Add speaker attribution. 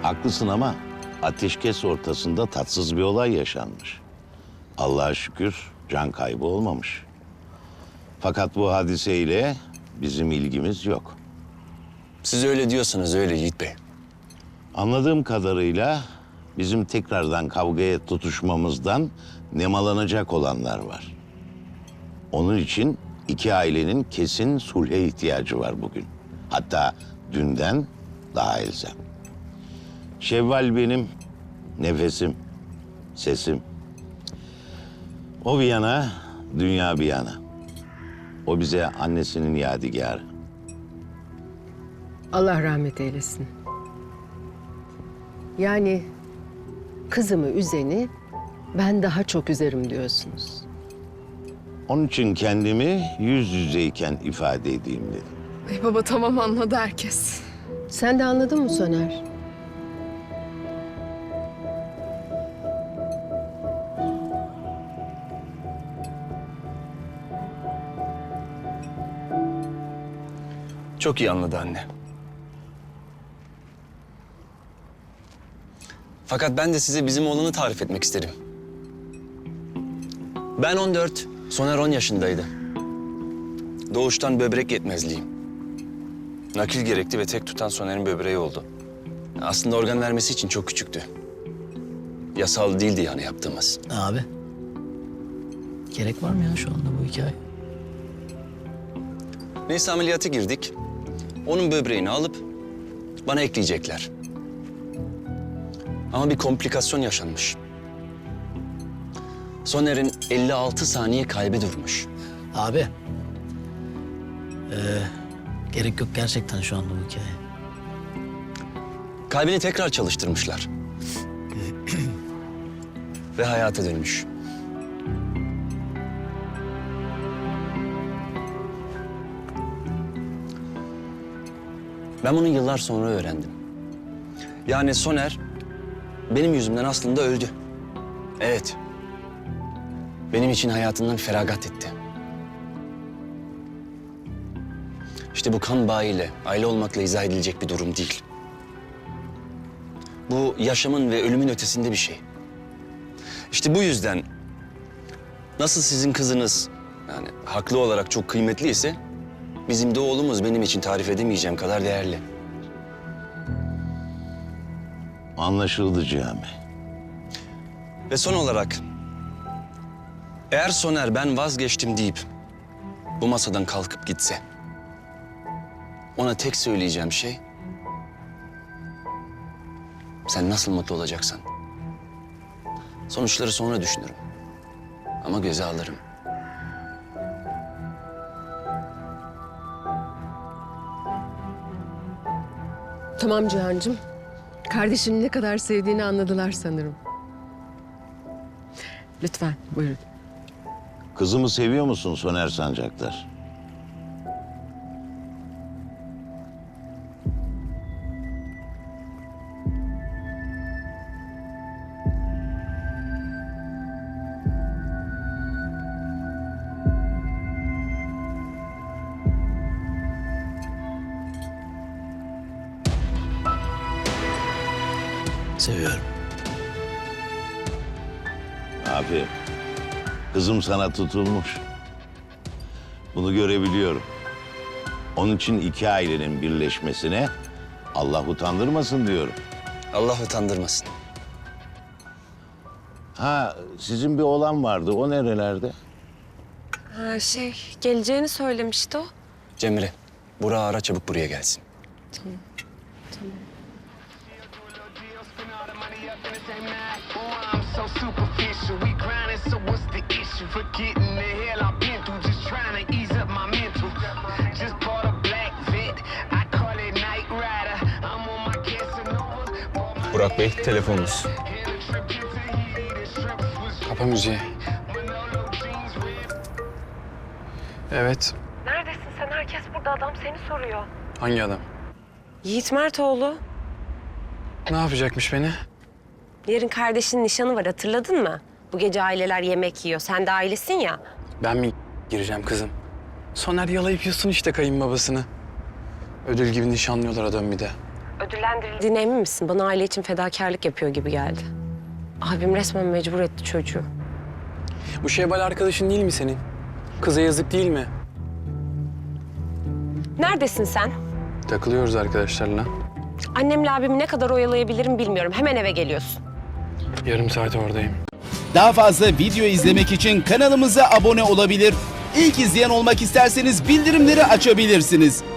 Speaker 1: Haklısın ama ateşkes ortasında tatsız bir olay yaşanmış. Allah'a şükür can kaybı olmamış. Fakat bu hadiseyle bizim ilgimiz yok.
Speaker 2: Siz öyle diyorsanız öyle Yiğit Bey.
Speaker 1: Anladığım kadarıyla bizim tekrardan kavgaya tutuşmamızdan nemalanacak olanlar var. Onun için iki ailenin kesin sulhe ihtiyacı var bugün. Hatta dünden daha elzem. Şevval benim nefesim, sesim. O bir yana, dünya bir yana. O bize annesinin yadigarı.
Speaker 3: Allah rahmet eylesin. Yani kızımı üzeni ben daha çok üzerim diyorsunuz.
Speaker 1: Onun için kendimi yüz yüzeyken ifade edeyim dedim.
Speaker 4: Ay baba tamam anladı herkes.
Speaker 3: Sen de anladın mı Soner?
Speaker 2: Çok iyi anladı anne. Fakat ben de size bizim oğlanı tarif etmek isterim. Ben 14, Soner 10 yaşındaydı. Doğuştan böbrek yetmezliğim. Nakil gerekti ve tek tutan Soner'in böbreği oldu. Aslında organ vermesi için çok küçüktü. Yasal değildi yani yaptığımız.
Speaker 5: Abi. Gerek var mı ya şu anda bu hikaye?
Speaker 2: Neyse ameliyata girdik. Onun böbreğini alıp bana ekleyecekler. Ama bir komplikasyon yaşanmış. Soner'in 56 saniye kalbi durmuş.
Speaker 5: Abi. Gerek yok gerçekten şu anda bu hikaye.
Speaker 2: Kalbini tekrar çalıştırmışlar. Ve hayata dönmüş. Ben bunu yıllar sonra öğrendim. Yani Soner benim yüzümden aslında öldü. Evet. Benim için hayatından feragat etti. İşte bu kan bağıyla, aile olmakla izah edilecek bir durum değil. Bu yaşamın ve ölümün ötesinde bir şey. İşte bu yüzden nasıl sizin kızınız yani haklı olarak çok kıymetliyse bizim de oğlumuz benim için tarif edemeyeceğim kadar değerli.
Speaker 1: Anlaşıldı Cami.
Speaker 2: Ve son olarak eğer Soner ben vazgeçtim deyip bu masadan kalkıp gitse ona tek söyleyeceğim şey sen nasıl mutlu olacaksan. Sonuçları sonra düşünürüm. Ama göze alırım.
Speaker 3: Tamam Cihan'cığım. Kardeşini ne kadar sevdiğini anladılar sanırım. Lütfen buyurun.
Speaker 1: Kızımı seviyor musun Soner Sancaktar?
Speaker 5: Seviyorum.
Speaker 1: Abi, kızım sana tutulmuş. Bunu görebiliyorum. Onun için iki ailenin birleşmesine Allah utandırmasın diyorum.
Speaker 2: Allah utandırmasın.
Speaker 1: Ha, sizin bir oğlan vardı. O nerelerde?
Speaker 4: Ha geleceğini söylemişti o.
Speaker 2: Cemre, Burak'ı ara çabuk buraya gelsin.
Speaker 6: So superficial, we grinding, so what's the issue? Forgetting the hell I've been through, just trying to ease up my mental. Just bought a black vet, I call it Night Rider. I'm on my Casanova.
Speaker 7: Burak Bey, telefonunuz.
Speaker 8: Kapa müziği. Evet.
Speaker 4: Neredesin sen? Herkes burada. Adam seni soruyor.
Speaker 8: Hangi adam?
Speaker 4: Yiğit Mertoğlu.
Speaker 8: Ne yapacakmış beni?
Speaker 4: Yarın kardeşinin nişanı var hatırladın mı? Bu gece aileler yemek yiyor. Sen de ailesin ya.
Speaker 8: Ben mi gireceğim kızım? Soner yalayıp yusun işte kayınbabasını. Ödül gibi nişanlıyorlar adam bir de.
Speaker 4: Ödüllendirildiğine emin misin? Bana aile için fedakarlık yapıyor gibi geldi. Abim resmen mecbur etti çocuğu.
Speaker 8: Bu Şevval arkadaşın değil mi senin? Kıza yazık değil mi?
Speaker 4: Neredesin sen?
Speaker 8: Takılıyoruz arkadaşlarla.
Speaker 4: Annemle abimi ne kadar oyalayabilirim bilmiyorum. Hemen eve geliyorsun.
Speaker 8: Yarım saat oradayım.
Speaker 7: Daha fazla video izlemek için kanalımıza abone olabilir. İlk izleyen olmak isterseniz bildirimleri açabilirsiniz.